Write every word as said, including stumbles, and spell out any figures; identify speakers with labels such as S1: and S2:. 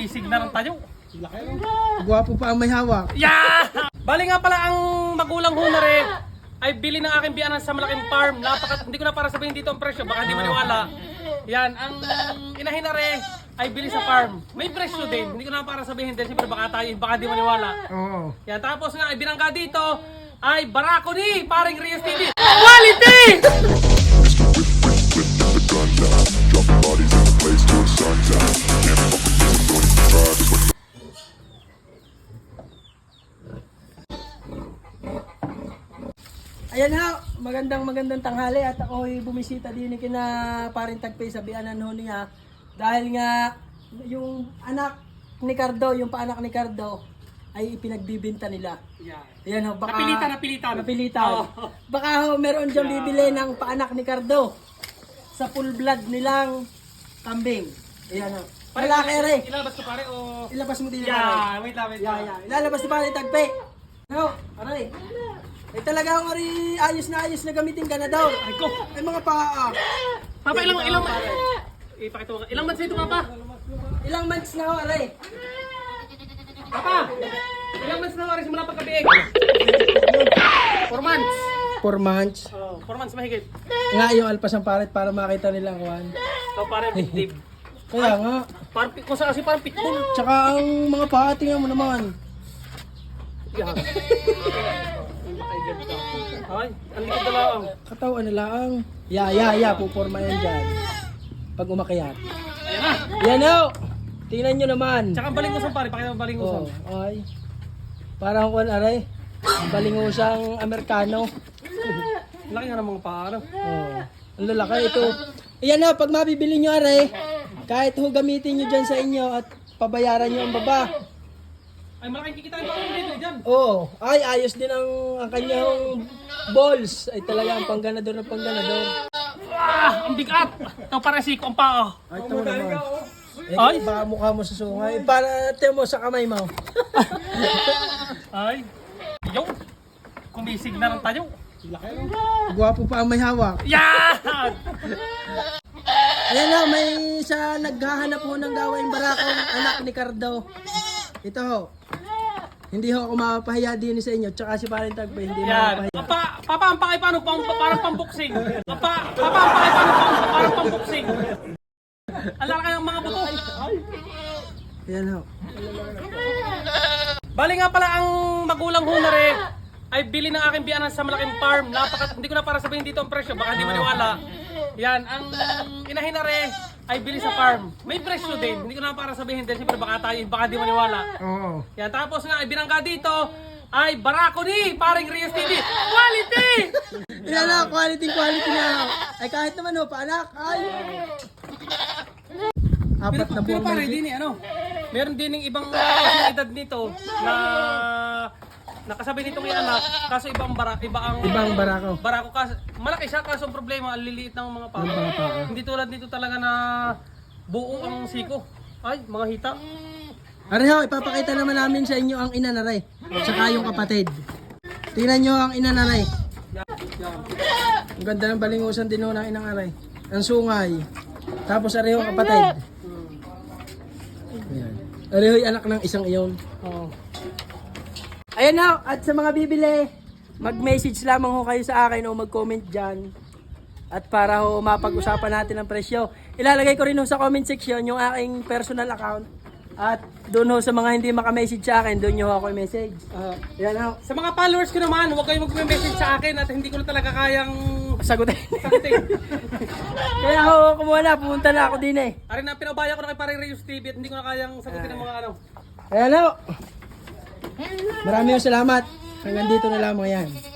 S1: Kumisig na rin tayo.
S2: Gwapo pa ang may hawak.
S1: Yeah! Bali nga pala ang magulang ho na rin ay bili ng aking biyanan sa malaking farm. Napakat hindi ko na para sabihin dito ang presyo, baka hindi maniwala. Yan, ang inahin na rin ay bili sa farm. May presyo din, hindi ko na para sabihin din, siyempre baka tayo, baka di maniwala.
S2: Oo.
S1: Yan, tapos nga, ay binangga dito ay barako ni paring Rios T V. Quality!
S2: Ayan ha, magandang magandang tanghali at ako'y bumisita din kina paring Tagpay sa biyanan ho niya. Dahil nga yung anak ni Cardo, yung paanak ni Cardo ay ipinagbibinta nila.
S1: Yeah.
S2: Ayan ho, baka
S1: Napilitan, napilitan.
S2: napilitan.
S1: Oh.
S2: Baka ho meron diyang bibili ng paanak ni Cardo sa full blood nilang kambing. Ayan ho. Malaki rin.
S1: Ilalabas ko pare o...
S2: Ilabas mo din
S1: Yeah, wait lang, wait
S2: Yeah,
S1: lang.
S2: yeah. Ilalabas ni paring Tagpay. No, aray. Eh talagang ari ayos na ayos na gamitin ka na daw.
S1: Ay ko!
S2: Ay mga paa.
S1: Papa, ilang, ilang, ipakita mo, ilang months ito, Papa?
S2: Ilang months na ho, aray?
S1: Papa, ilang months na ako simula pagkabiig? Four months.
S2: Four months.
S1: Oh, four months mahigit.
S2: Nga yung alpas ang paret para makita nila ang kuhan.
S1: So, pare, dib.
S2: Kaya nga.
S1: Parang, kung saan kasi parang pitbull.
S2: Tsaka ang mga paa, tingnan mo naman.
S1: Yeah. Ay, ang likod na lang.
S2: Katawan nila ang. Ya, ya, ya. Puporma yan dyan. Pag umakyat.
S1: Ayan na.
S2: Yan ho. Tingnan nyo naman.
S1: Tsaka ang balingusan, pare. Pakita mo ang balingusan.
S2: Oh, ay. Parang kuhan, aray. Balingusang Amerikano.
S1: Laki nga ng mga paa, ano?
S2: Oh. Ang lalaki ito. Ayan na, pag mabibili nyo aray, kahit ho gamitin nyo dyan sa inyo at pabayaran nyo ang baba.
S1: Ay, malaking kikitain pa ako dito dyan.
S2: Oo, oh, ay ayos din ang, ang kanyang balls. Ay talaga ang pangganador na pangganador.
S1: Ah, ang bigat. Ito pare siko ang paa.
S2: Ay, ito mo naman. Eh,
S1: Ay.
S2: baka mukha mo sa sungay. Para tiyan mo sa kamay mo.
S1: Ay, yo. Kumisig na rin tayo.
S2: Gwapo pa ang may hawak.
S1: Yeah!
S2: Ayan na, may sa naghahanap ho ng gawaing barakong anak ni Cardo. Ito ho. Hindi ho ako mapapahiya din sa inyo. Tsaka si Paring Tagpay hindi
S1: Yan.
S2: mapapahiya.
S1: Papa, papa, ang pakay paano? Pang, parang pambuksing. Papa, papa, ang pakay paano? Pang, parang pambuksing. Ang laki ng mga buto.
S2: Ayan ho.
S1: Bali nga pala ang magulang ho na rin ay bili ng aking biyanan sa malaking farm. Napakat hindi ko na para sabihin dito ang presyo, baka hindi maniwala. Yan, ang inahin na rin ay bili sa farm. May presyo din, hindi ko na para sabihin din, siyempre baka tayo, baka di maniwala.
S2: Oo.
S1: Yan, tapos nga, ay binangga dito ay barako ni paring Rios T V. Quality!
S2: Yan na, quality, quality na. Ay kahit naman ho, paanak. Ay. Apat
S1: Pero,
S2: na
S1: pero
S2: buwan
S1: pare,
S2: na
S1: din eh, ano, meron din ng ibang uh, edad nito na nakasabay nitong yung anak, kaso ibang bara, iba ang
S2: Ibang barako.
S1: barako kasi malaki siya kaso ang problema ang liliit ng mga paa.
S2: Ng mga paa.
S1: Hindi tulad nito talaga na buo ang siko. Ay, mga hita.
S2: Aray ho, ipapakita naman namin sa inyo ang ina na ray. Tsaka yung kapatid. Tingnan nyo ang ina na ray. Ang ganda ng balingusan din ho ng inang aray. Ang sungay. Tapos aray ho ang kapatid. Ayan. Aray ho anak ng isang iyon.
S1: Oh.
S2: Ayan ho, at sa mga bibili, mag-message lamang ho kayo sa akin o mag-comment dyan. At para ho mapag-usapan natin ang presyo. Ilalagay ko rin ho sa comment section yung aking personal account. At doon ho sa mga hindi maka-message sa akin, doon nyo ho ako i-message.
S1: Uh,
S2: Ayan ho.
S1: sa mga followers ko naman, huwag kayong mag-message sa akin at hindi ko na talaga kayang
S2: Sagutin.
S1: sagutin.
S2: Kaya ho, kumuha na, pumunta na ako din eh.
S1: Arin na, pinabaya ko na kay paring Rios T V at hindi ko na kayang sagutin ng mga ano.
S2: Ayan ho. Maraming salamat. Hanggang dito na lamang yan.